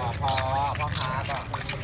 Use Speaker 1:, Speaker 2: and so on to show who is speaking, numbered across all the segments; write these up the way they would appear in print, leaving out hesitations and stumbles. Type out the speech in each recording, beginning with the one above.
Speaker 1: พอพ่อค้าก่อน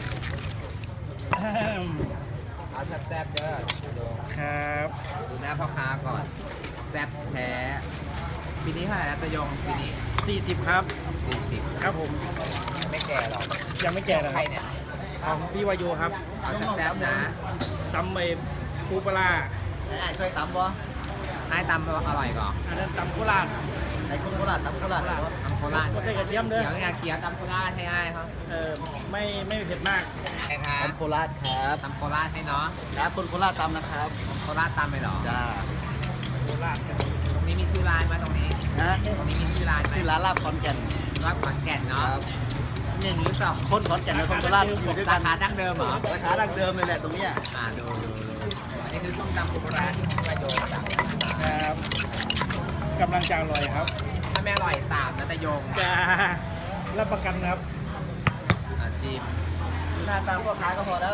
Speaker 1: เอาแซ่บๆเด้อดู
Speaker 2: ครับ
Speaker 1: ดูหน้าพ่อค้าก่อนแซ่บแท้ปีนี้เท่าไหร่แล้วตะยงปีนี้
Speaker 2: 40ครับ
Speaker 1: 40
Speaker 2: ครับผม
Speaker 1: ไม่แก่หรอก
Speaker 2: ยังไม่แก่นะ
Speaker 1: ใครเนี่ย
Speaker 2: ของพี่วายุครับ
Speaker 1: เอาแซ่บๆนะ
Speaker 2: ตำปูปลาร้า
Speaker 3: ไอ้ช่วยตำบ่
Speaker 1: ให้ตำอร่อยก่อน
Speaker 2: อันนั้นตำโคราช
Speaker 3: ไอ้คนโคราชตำโคราช
Speaker 1: ตำโคราช
Speaker 2: ก็ใส่กระเทียมเด้อ
Speaker 1: เขียวเนี่ยเขียวตำโคราชให้ง่ายครับ
Speaker 2: ไม่เผ็ดมาก
Speaker 1: ใช่ครับ
Speaker 3: ตำโคราชครับ
Speaker 1: ตำโคราชให้เนาะ
Speaker 3: ครับคนโคราชตำนะครับ
Speaker 1: โคราชตำไปเหรอ
Speaker 3: จ้า
Speaker 2: โคราชครับ
Speaker 1: ตรงนี้มีชื่อร้านไหมตรงนี้
Speaker 3: นะ
Speaker 1: ตรงนี้มีชื่อร้านไหม
Speaker 3: ที่ร้านลาบขอนแก่น
Speaker 1: ร้านขอนแก่น
Speaker 3: ค
Speaker 1: เนาะ
Speaker 3: รับ
Speaker 1: 1 หรือ 2
Speaker 3: คนขอนแก่นกับคนโคราชอยู่ด้วย
Speaker 1: สา
Speaker 3: กัน
Speaker 1: ขาดั้งเดิมเหรอ
Speaker 3: ราคาดั้งเดิมเลยแหละตรงเนี้ย
Speaker 1: ดูอันนี้คือส้มตำปูปลาร้าที่ประโยชน์จาก
Speaker 2: ครับกำลังจะอร่อยครับ
Speaker 1: ถ้าไม่อร่อย3นะตะยง
Speaker 2: จะรับประกันครับ
Speaker 1: จิ้ม
Speaker 3: หน้าตามพ่อค้าก็พอแล้ว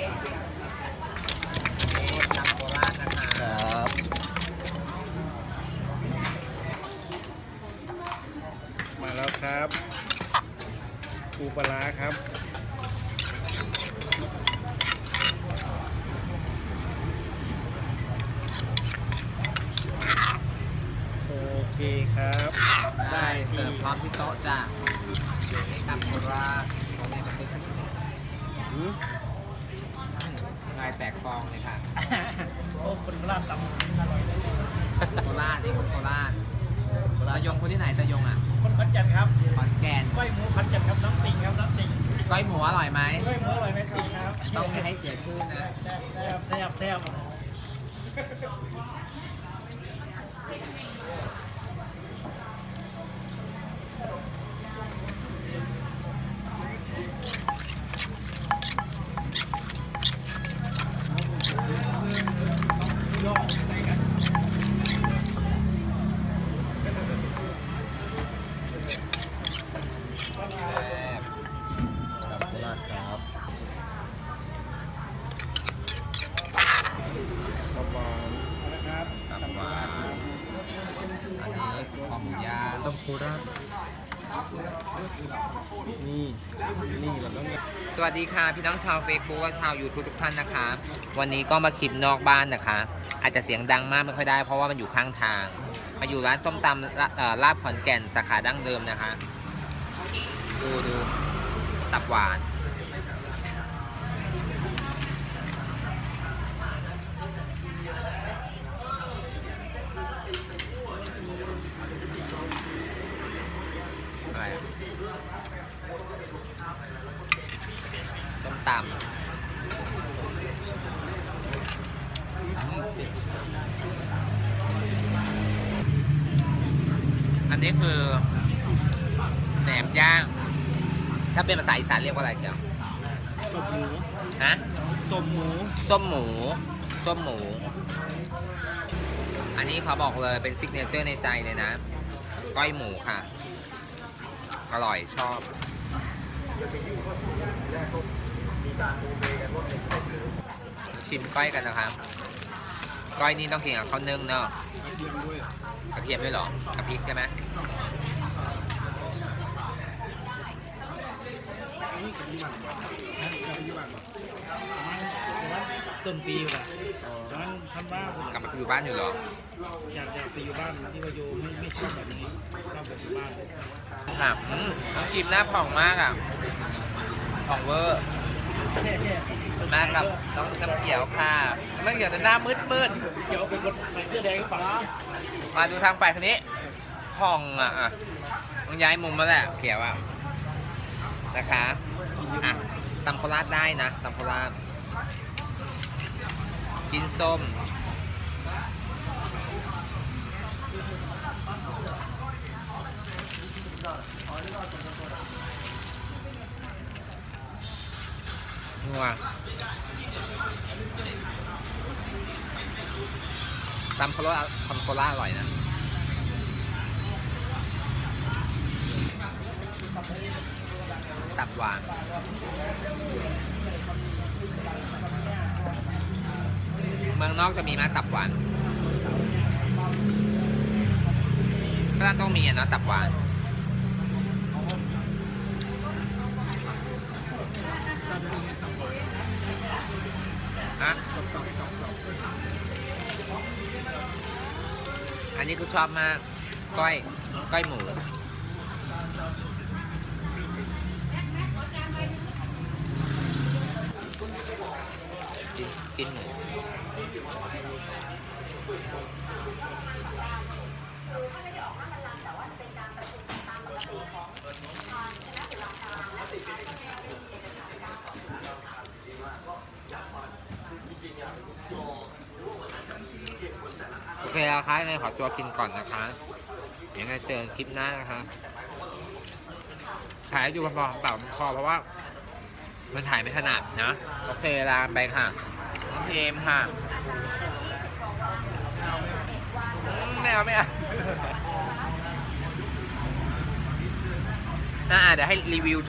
Speaker 1: ส้มตำโคราชนะคะ
Speaker 3: ครับ
Speaker 2: มาแล้วครับปูปลาร้าครับโอเคครับ
Speaker 1: ได้เสิร์ฟพร้อมที่โต๊ะจ้ะตำโคราชตรงนี้มันเป็นสักนิดลายแตกฟองเลยค่ะ
Speaker 2: โอ้คนโคราชตำอร่อยเลย
Speaker 1: โคราชนี่คนโคราชตะยงคนที่ไหนตะยงอ่ะ
Speaker 2: คนขอนแก่นครับ
Speaker 1: ขอนแก่น
Speaker 2: ก้อยหมูขอนแก่นครับน้ำติ่งครับน้ำติ่ง
Speaker 1: ก้อยหมูอร่อยไหม
Speaker 2: ก้อยหมูอร่อยไหมติ่งครับ
Speaker 1: ต้องไม่ให้เสียชื่อนะ
Speaker 2: แซ่บแซ่บ
Speaker 3: ตำโคราชครับ
Speaker 2: นะครับ
Speaker 1: ตับหวานอันนี้คอหมูย่างต้มโคราช
Speaker 3: นี่มันต้อง
Speaker 1: สวัสดีค่ะพี่น้องชาวเฟซบุ๊กและชาวยูทูบทุกท่านนะคะ วันนี้ก็มาคลิปนอกบ้านนะคะ อาจจะเสียงดังมากไม่ค่อยได้เพราะว่ามันอยู่ข้างทาง มาอยู่ร้านส้มตำลาบขอนแก่นสาขาดั้งเดิมนะคะ ดูตับหวานอะไรอะส้มตำอันนี้คือแหนมย่าง ถ้าเป็นภาษาอีสานเรียกว่าอะไรเกี่ยว
Speaker 3: ส้มหมู
Speaker 1: ฮะ
Speaker 3: ส้มหมู
Speaker 1: ส้มหมู ส้มหมู อันนี้เขาบอกเลยเป็นซิกเนเจอร์ในใจเลยนะ ก้อยหมูค่ะ อร่อยชอบ ชิมก้อยกันนะคะ ก้อยนี่ต้องกินกับข้าวนึ่งเนาะ กระเทียมด้วยเหรอ กับพริกใช่ไหม
Speaker 2: ต้นปีว่ะตอนนั้นทำบ้าน
Speaker 1: กลับมาอยู่บ้านอยู่เหรอ
Speaker 2: อยากไปอยู่บ้านที่ว่าอยู่ไม่ชอบแบบนี้ชอบแบบอยู่บ้าน
Speaker 1: ค่ะน้องกิมหน้าผ่องมากอ่ะ ผ่องเวอร์ มากับน้องน้ำเขียวค่ะน้ำเขียวแต่หน้ามืด
Speaker 2: เขียวเป็นคนใส่เสื้อแดงหรือเปล่า
Speaker 1: ๆมาดูทางไปคนนี้ผ่องอ่ะต้องย้ายมุมมาแหละเขียวอ่ะนะคะอ่ะตำโคราชได้นะตำโคราชกินส้มนัวตำโคราชอร่อยนะตับหวานเมืองนอกจะมีไหมตับหวานก็ต้องมีอ่ะเนาะตับหวานนี้กูชอบมากก้อยหมูชิ้นหมูโอเคแล้วครับยังไงขอตัวกินก่อนนะคะเดี๋ยวเจอคลิปหน้านะคะถ่ายให้ดูพอๆเปล่าคอเพราะว่ามันถ่ายไม่ถนัดนะ โอเคลาไปค่ะน้องเอมค่ะไม่เอาเดี๋ยวให้รีวิว